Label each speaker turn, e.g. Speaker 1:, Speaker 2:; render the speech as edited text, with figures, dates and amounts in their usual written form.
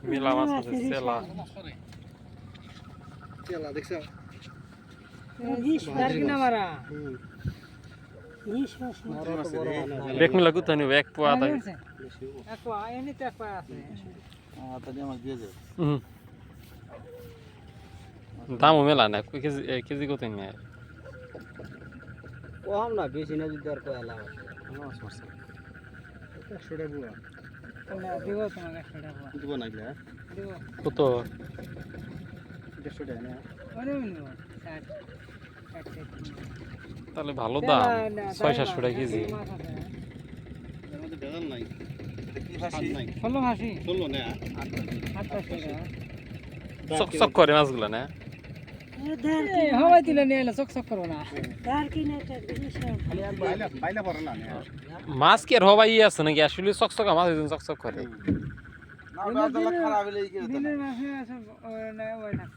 Speaker 1: মেলা মাছ আছে চেলা
Speaker 2: চেলা দেখছ
Speaker 1: বেক মিলা কোথায় নিব এক পোয়া তাই দামও মেলা না কেজি কেজি কত নেয়
Speaker 2: কম না বেশি না যদি আর কয়লা মাছ মারছে 100 টাকা বুয়া না দিব তোমাকে 100 টাকা দিব না গলা দিব
Speaker 1: কত
Speaker 2: 150 টাকা না
Speaker 1: আরে তাহলে ভালো দাম 600 টাকা কেজি
Speaker 2: এর মধ্যে বেজাল নাই কি ফাসি নাই
Speaker 3: 16 ফাসি
Speaker 2: 16 না
Speaker 3: 28 টাকা
Speaker 1: চক চক করে মাছগুলো না
Speaker 3: হাওয়াই দিলে নিয়ে এলে চক চক করবো না
Speaker 2: খালি আর বাইলা পড়ে না
Speaker 1: মাছ কি আর হবাই আছে নাকি আসলে চকচকা মাছ চকচক করে
Speaker 2: না বাজার খারাপ হলে এই কি
Speaker 3: দিনের মাসে আছে